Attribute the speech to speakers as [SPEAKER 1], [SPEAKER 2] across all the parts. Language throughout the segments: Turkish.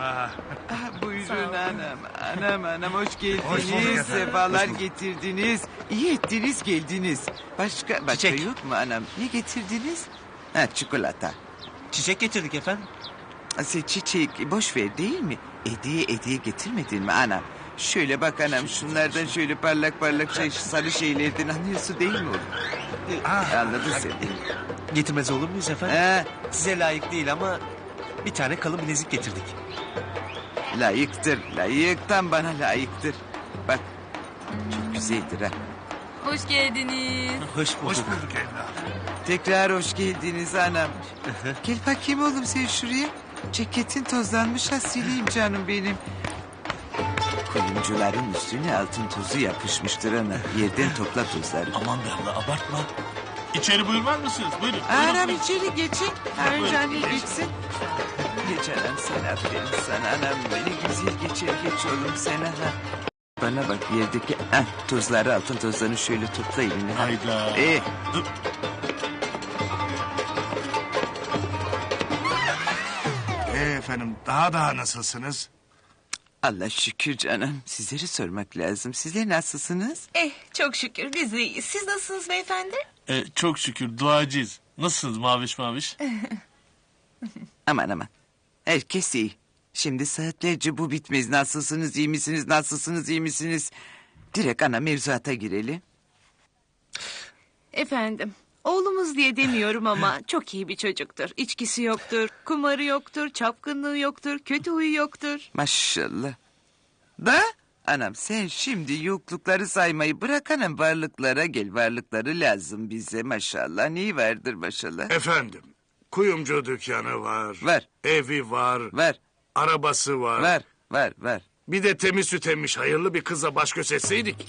[SPEAKER 1] Buyurun anam. Anam hoş geldiniz.
[SPEAKER 2] Hoş bulduk efendim.
[SPEAKER 1] Sefalar
[SPEAKER 2] Hoş bulduk.
[SPEAKER 1] getirdiniz. İyi ettiniz geldiniz. Başka
[SPEAKER 3] Çiçek.
[SPEAKER 1] yok mu anam? Ne getirdiniz? Ha çikolata.
[SPEAKER 3] Çiçek getirdik efendim.
[SPEAKER 1] Sen çiçek boş ver değil mi? Hediye getirmedin mi anam? Şöyle bak anam şunlardan şöyle parlak sarı şeylerden anlıyorsun değil mi oğlum? Anladın sen değil mi?
[SPEAKER 3] Getirmez olur muyuz efendim?
[SPEAKER 1] Ha,
[SPEAKER 3] Size layık değil ama bir tane kalın bilezik getirdik.
[SPEAKER 1] layıktır. Layıktan bana layıktır. Bak çok güzeldir ha.
[SPEAKER 4] Hoş geldiniz.
[SPEAKER 3] Hoş bulduk.
[SPEAKER 2] Hoş bulduk evladım.
[SPEAKER 1] Tekrar hoş geldiniz anam. Gel bakayım oğlum sen şuraya. Ceketin tozlanmış ha sileyim canım benim. Kuyumcuların üstüne altın tozu yapışmıştır ana. Yerden topla tozları.
[SPEAKER 3] Aman be abla abartma.
[SPEAKER 2] İçeri buyurmaz mısınız? Buyurun.
[SPEAKER 1] Anam içeri geçin. Ha, önce anne geçsin. Geç anam sen aferin sana anam. Beni güzel geç oğlum sen ha. Bana bak yerdeki tozları altın tozlarını şöyle topla eline.
[SPEAKER 2] Hayda. Dur. Efendim daha nasılsınız?
[SPEAKER 1] Allah şükür canım. Sizleri sormak lazım. Sizler nasılsınız?
[SPEAKER 4] Çok şükür biz de iyiyiz. Siz nasılsınız beyefendi?
[SPEAKER 5] Çok şükür duacıyız. Nasılsınız maviş?
[SPEAKER 1] Aman. Herkes iyi. Şimdi saatlerce bu bitmez. Nasılsınız, iyi misiniz, nasılsınız, iyi misiniz? Direkt ana mevzuata girelim.
[SPEAKER 6] Efendim, oğlumuz diye demiyorum ama çok iyi bir çocuktur. İçkisi yoktur, kumarı yoktur, çapkınlığı yoktur, kötü huyu yoktur.
[SPEAKER 1] Maşallah. Da anam sen şimdi yoklukları saymayı bırak anam varlıklara gel. Varlıkları lazım bize maşallah. Neyi vardır maşallah?
[SPEAKER 2] Efendim kuyumcu dükkanı var.
[SPEAKER 1] Var.
[SPEAKER 2] Evi var.
[SPEAKER 1] Var,
[SPEAKER 2] Arabası var.
[SPEAKER 1] var.
[SPEAKER 2] Bir de temiz süt emmiş hayırlı bir kıza baş göz etseydik.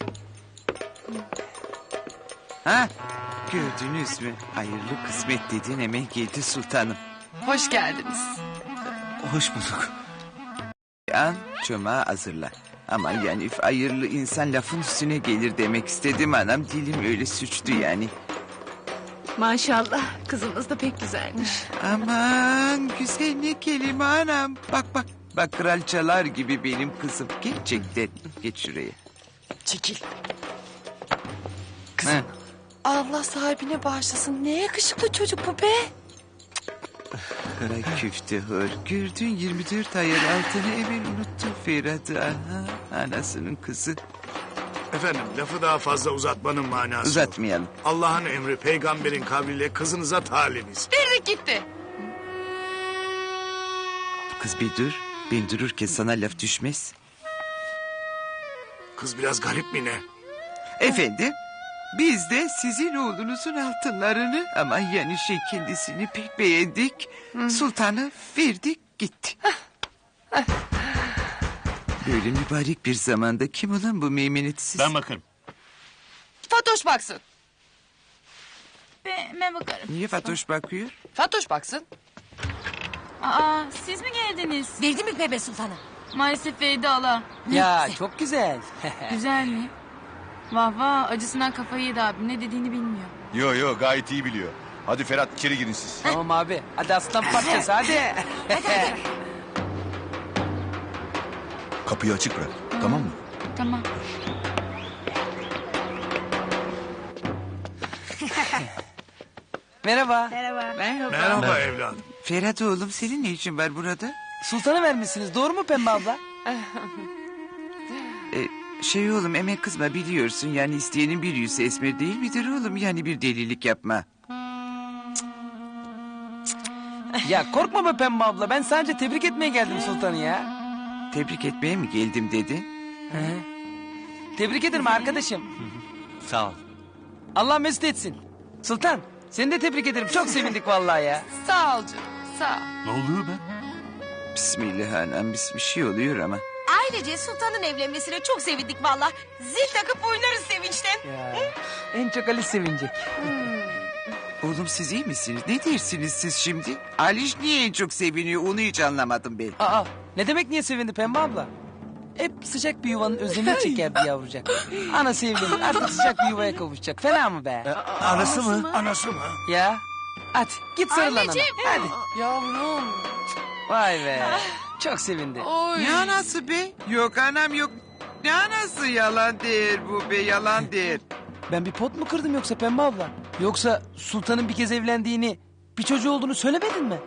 [SPEAKER 1] Ha? Gördünüz mü? Hayırlı kısmet dediğin hemen geldi sultanım.
[SPEAKER 4] Hoş geldiniz.
[SPEAKER 3] Hoş bulduk.
[SPEAKER 1] An çomağı hazırla. Ama yani hayırlı insan lafın üstüne gelir demek istedim anam. Dilim öyle suçtu yani.
[SPEAKER 6] Maşallah, kızımız da pek güzelmiş.
[SPEAKER 1] Aman güzel ne kelime anam. Bak. Bak kralçalar gibi benim kızım. Gerçekten. Geç şuraya.
[SPEAKER 7] Çekil.
[SPEAKER 1] Ha.
[SPEAKER 7] Allah sahibine bağışlasın. Ne yakışıklı çocuk bu be.
[SPEAKER 1] Kara küfte hır. Gördün 24 ayar altını hemen unuttun Ferhat'ı. Aha, anasının kızı.
[SPEAKER 2] Efendim lafı daha fazla uzatmanın manası.
[SPEAKER 1] Uzatmayalım.
[SPEAKER 2] Allah'ın emri peygamberin kavliyle kızınıza talimiz.
[SPEAKER 4] Verdik gitti.
[SPEAKER 1] Kız bir dur. Ben dururken sana laf düşmez.
[SPEAKER 2] Kız biraz garip mi ne?
[SPEAKER 1] Efendim? Biz de sizin oğlunuzun altınlarını ama yani kendisini pek beğendik. Sultanı verdik gitti. Böyle mübarek bir zamanda kim olan bu meymenetsiz?
[SPEAKER 5] Ben bakarım.
[SPEAKER 7] Fatoş baksın.
[SPEAKER 4] Ben bakarım.
[SPEAKER 1] Niye Fatoş bakıyor?
[SPEAKER 7] Fatoş baksın.
[SPEAKER 4] Aa, siz mi geldiniz?
[SPEAKER 7] Verdi mi bebe sultana?
[SPEAKER 4] Maalesef verdi hala.
[SPEAKER 8] Ya çok güzel.
[SPEAKER 4] Güzel mi? Vah acısından kafayı yedi abi. Ne dediğini bilmiyor.
[SPEAKER 9] Yo gayet iyi biliyor. Hadi Ferhat içeri girin siz.
[SPEAKER 8] Tamam abi. Hadi aslan parçası hadi.
[SPEAKER 9] Kapıyı açık bırak. Tamam mı?
[SPEAKER 4] Tamam.
[SPEAKER 8] Merhaba.
[SPEAKER 2] Merhaba evladım.
[SPEAKER 1] Ferhat oğlum senin ne işin var burada?
[SPEAKER 8] Sultanı vermişsiniz doğru mu Pembe abla?
[SPEAKER 1] Oğlum emek kızma biliyorsun yani isteyenin bir yüzü esmer değil midir oğlum? Yani bir delilik yapma.
[SPEAKER 8] Ya korkma be Pembe abla. Ben sadece tebrik etmeye geldim sultanı ya.
[SPEAKER 1] Tebrik etmeye mi geldim dedin?
[SPEAKER 8] Tebrik ederim arkadaşım.
[SPEAKER 3] Sağ ol.
[SPEAKER 8] Allah mesut etsin. Sultan seni de tebrik ederim. Çok sevindik vallahi ya.
[SPEAKER 4] Sağ ol canım. Sağ ol.
[SPEAKER 5] Ne oluyor be?
[SPEAKER 1] Bismillah anam bir şey oluyor ama.
[SPEAKER 7] Ailece sultanın evlenmesine çok sevindik valla. Zil takıp oynarız sevinçten.
[SPEAKER 8] Ya. En çok Ali sevinecek.
[SPEAKER 1] Oğlum siz iyi misiniz? Ne dersiniz siz şimdi? Aliş niye en çok seviniyor onu hiç anlamadım ben.
[SPEAKER 8] Aa, ne demek niye sevindi Pembe abla? Hep sıcak bir yuvanın özlemini çekerdi yavrucak. Anası evlenir artık sıcak bir yuvaya kavuşacak. Fena mı be?
[SPEAKER 3] Anası mı?
[SPEAKER 2] Anası mı?
[SPEAKER 8] Ya. Hadi git sarıl anana. Hadi.
[SPEAKER 7] Yavrum.
[SPEAKER 8] Vay be. Çok sevindi.
[SPEAKER 4] Oy.
[SPEAKER 1] Ne anası be? Yok anam yok. Ne anası, yalan değil bu be, yalan değil.
[SPEAKER 8] Ben bir pot mu kırdım yoksa Pembe abla? Yoksa Sultan'ın bir kez evlendiğini, bir çocuğu olduğunu söylemedin mi?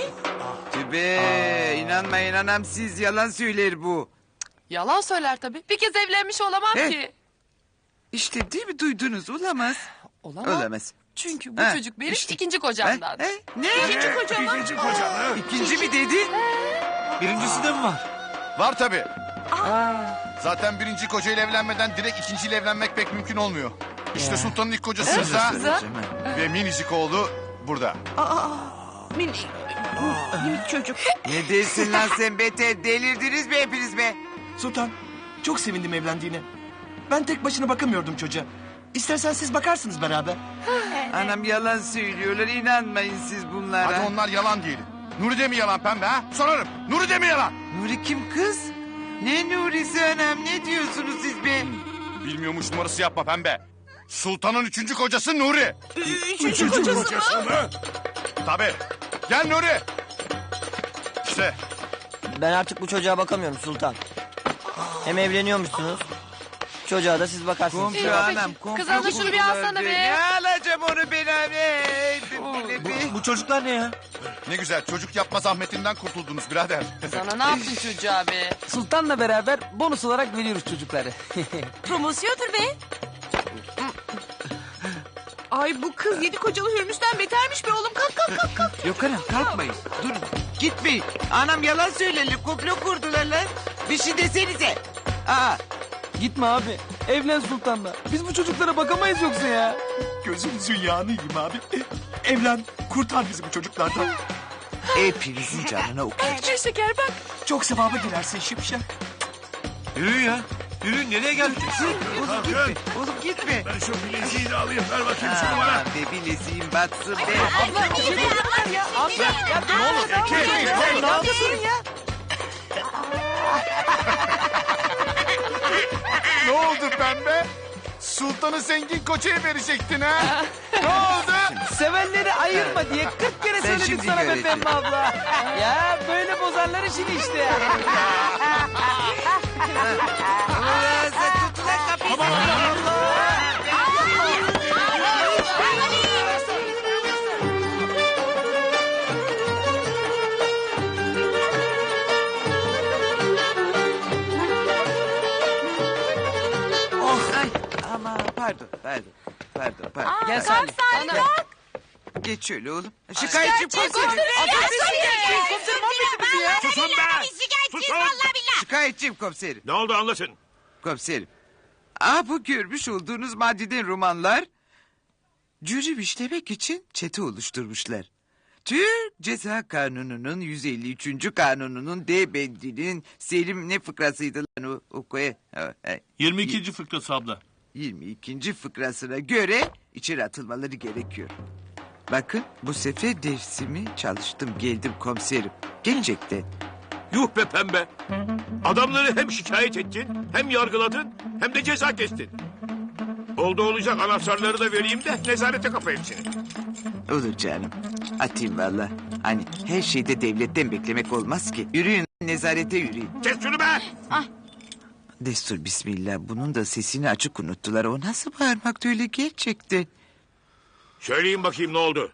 [SPEAKER 1] Be inanmayın anam, siz yalan söyler bu.
[SPEAKER 4] Yalan söyler tabii. Bir kez evlenmiş olamam
[SPEAKER 1] He.
[SPEAKER 4] ki.
[SPEAKER 1] İşte değil mi, duydunuz, olamaz.
[SPEAKER 4] Olamam.
[SPEAKER 1] Olamaz.
[SPEAKER 4] Çünkü bu
[SPEAKER 1] Ha,
[SPEAKER 4] çocuk benim
[SPEAKER 1] işte.
[SPEAKER 4] ikinci kocamdan.
[SPEAKER 1] Ne? İkinci koca mı?
[SPEAKER 2] İkinci kocanı.
[SPEAKER 1] İkinci mi dedin?
[SPEAKER 3] Birincisi de mi var?
[SPEAKER 9] Var tabii. Zaten birinci kocayla evlenmeden direkt ikinciyle evlenmek pek mümkün olmuyor. İşte Sultan'ın ilk kocası Rıza ve minicik oğlu burada.
[SPEAKER 6] Minik çocuk.
[SPEAKER 1] Ne dersin lan sen beter, delirdiniz mi hepiniz be?
[SPEAKER 3] Sultan, çok sevindim evlendiğine. Ben tek başına bakamıyordum çocuğa. İstersen siz bakarsınız beraber.
[SPEAKER 1] Anam yalan söylüyorlar, inanmayın siz bunlara.
[SPEAKER 9] Hadi onlar yalan diyelim. Nuri de mi yalan Pembe ha? Sorarım. Nuri de mi yalan?
[SPEAKER 1] Nuri kim kız? Ne Nuri'si anam, ne diyorsunuz siz be?
[SPEAKER 9] Bilmiyormuş numarası yapma Pembe. Sultan'ın üçüncü kocası Nuri.
[SPEAKER 2] Üçüncü kocası mı?
[SPEAKER 9] Tabii. Gel Nuri. İşte
[SPEAKER 10] Ben artık bu çocuğa bakamıyorum Sultan. Hem evleniyormuşsunuz. Çocuğa da siz bakarsınız.
[SPEAKER 1] Komşu
[SPEAKER 4] İyi,
[SPEAKER 1] anam,
[SPEAKER 4] peki.
[SPEAKER 1] komşu
[SPEAKER 4] Kız ana şunu bir
[SPEAKER 1] kurdular
[SPEAKER 4] alsana be.
[SPEAKER 1] Ne alacağım onu ben abi?
[SPEAKER 3] Bu çocuklar ne ya?
[SPEAKER 9] ne güzel çocuk yapma zahmetinden kurtuldunuz birader.
[SPEAKER 4] Sana ne yaptın çocuğa be?
[SPEAKER 8] Sultan'la beraber bonus olarak veriyoruz çocukları.
[SPEAKER 7] Promosyondur be.
[SPEAKER 6] Ay bu kız 7 kocalı Hürmüz'den betermiş be oğlum. Kalk.
[SPEAKER 1] Yok anam, kalkmayın. Durun, gitmeyin. Anam yalan söylerler, komplo kurdular lan. Bir şey desenize. Aa,
[SPEAKER 8] Gitme abi. Evlen Sultan'la. Biz bu çocuklara bakamayız yoksa ya.
[SPEAKER 3] Gözünüzün yağını yiyeyim abi. Evlen, kurtar bizi bu çocuklardan.
[SPEAKER 1] hepinizin canına okuyacağım.
[SPEAKER 4] Ne şeker bak.
[SPEAKER 3] Çok sevaba girersin Şipşak. Yürüyün ya. Yürüyün, nereye geldik?
[SPEAKER 1] Oğlum gitme, oğlum gitme.
[SPEAKER 2] Ben şu bileziği de alayım. Ver bakayım şunu bana.
[SPEAKER 1] Aa, be bileziğim batsın be.
[SPEAKER 9] Ne oldu Pembe? Sultan'ı zengin koçaya verecektin ha? Ne oldu?
[SPEAKER 8] Sevenleri ayırma diye 40 kere söyledik
[SPEAKER 1] şimdi
[SPEAKER 8] sana be
[SPEAKER 1] göreceğim.
[SPEAKER 8] Pembe abla. Ya böyle bozarlar işini işte.
[SPEAKER 1] Ulan sen tut ulan kapıyı. Ay, ama pardon.
[SPEAKER 8] Gel Salih.
[SPEAKER 1] Geç şöyle oğlum. Şikayetçiyim komiserim.
[SPEAKER 2] Susun be. Susun.
[SPEAKER 1] Şikayetçiyim komiserim.
[SPEAKER 2] Ne oldu anlatın.
[SPEAKER 1] Komiserim. Bu görmüş olduğunuz maddeden romanlar cürüm işlemek için çete oluşturmuşlar. Türk Ceza Kanunu'nun 153. kanununun D bendinin Selim ne fıkrasıydı lan o? Oku.
[SPEAKER 5] 22. fıkrası abla.
[SPEAKER 1] 22. fıkrasına göre içeri atılmaları gerekiyor. Bakın bu sefer dersimi çalıştım, geldim komiserim. Gerçekten.
[SPEAKER 2] Yuh be Pembe. Adamları hem şikayet ettin, hem yargıladın, hem de ceza kestin. Oldu olacak, anahtarları da vereyim de nezarete kapa hepsini.
[SPEAKER 1] Olur canım. Atayım valla. Hani her şeyde devletten beklemek olmaz ki. Yürüyün, nezarete yürüyün.
[SPEAKER 2] Kes şunu be.
[SPEAKER 1] Destur bismillah. Bunun da sesini açık unuttular. O nasıl bağırmaktı öyle gerçekten?
[SPEAKER 2] Söyleyin bakayım ne oldu?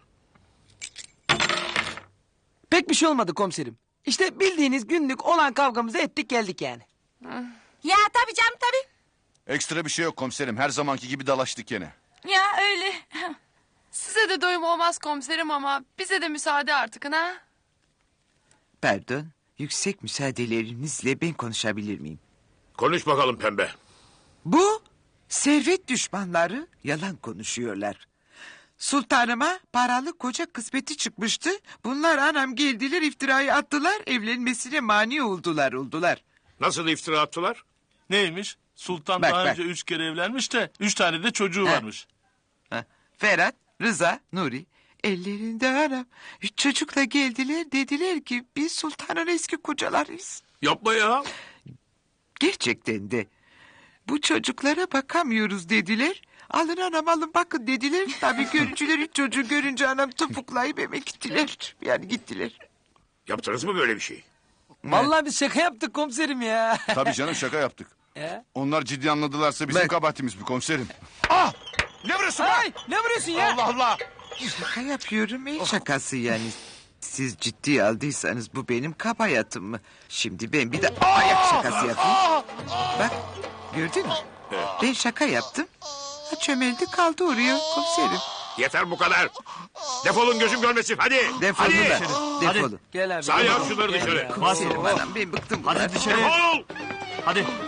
[SPEAKER 8] Pek bir şey olmadı komiserim. İşte bildiğiniz günlük olan kavgamızı ettik geldik yani.
[SPEAKER 7] Ya tabii canım tabii.
[SPEAKER 9] Ekstra bir şey yok komiserim. Her zamanki gibi dalaştık yine.
[SPEAKER 7] Ya öyle.
[SPEAKER 4] Size de doyum olmaz komiserim ama bize de müsaade artık ha.
[SPEAKER 1] Pardon. Yüksek müsaadelerinizle ben konuşabilir miyim?
[SPEAKER 2] Konuş bakalım Pembe.
[SPEAKER 1] Bu servet düşmanları yalan konuşuyorlar. Sultanıma paralı koca kısmeti çıkmıştı. Bunlar anam geldiler, iftirayı attılar, evlenmesine mani oldular.
[SPEAKER 2] Nasıl iftira attılar?
[SPEAKER 5] Neymiş? Sultan
[SPEAKER 1] Bak,
[SPEAKER 5] daha
[SPEAKER 1] bak.
[SPEAKER 5] önce 3 kere evlenmiş de 3 tane de çocuğu varmış.
[SPEAKER 1] Ferhat, Rıza, Nuri ellerinde anam. 3 çocukla geldiler, dediler ki biz sultanın eski kocalarıyız.
[SPEAKER 2] Yapma ya.
[SPEAKER 1] Gerçekten de bu çocuklara bakamıyoruz dediler. Alın anam alın bakın dediler. Tabii görücüler 3 çocuğu görünce anam topuklayıp eve gittiler. Yani gittiler.
[SPEAKER 2] Yaptınız mı böyle bir şey?
[SPEAKER 8] Vallahi biz şaka yaptık komiserim ya.
[SPEAKER 9] Tabii canım şaka yaptık.
[SPEAKER 8] Ya.
[SPEAKER 9] Onlar ciddi anladılarsa bizim
[SPEAKER 1] Bak.
[SPEAKER 9] kabahatimiz bu komiserim. Ah! Ne vuruyorsun be?
[SPEAKER 8] Ay ne vuruyorsun ya?
[SPEAKER 9] Allah Allah!
[SPEAKER 1] Şaka yapıyorum. El şakası yani. Siz ciddiye aldıysanız bu benim kaba hayatım mı? Şimdi ben bir de ayak şakası yapayım. Bak gördün mü? Ben şaka yaptım. Ha, çömeldi kaldı oraya komiserim.
[SPEAKER 2] Yeter bu kadar. Defolun gözüm görmesin hadi.
[SPEAKER 1] Defolun
[SPEAKER 2] Hadi.
[SPEAKER 1] da. Defolun.
[SPEAKER 8] Gel abi.
[SPEAKER 2] Sağ yap şunları dışarı.
[SPEAKER 1] Komiserim anam ben bıktım bunlardan.
[SPEAKER 2] Defol.
[SPEAKER 5] Hadi.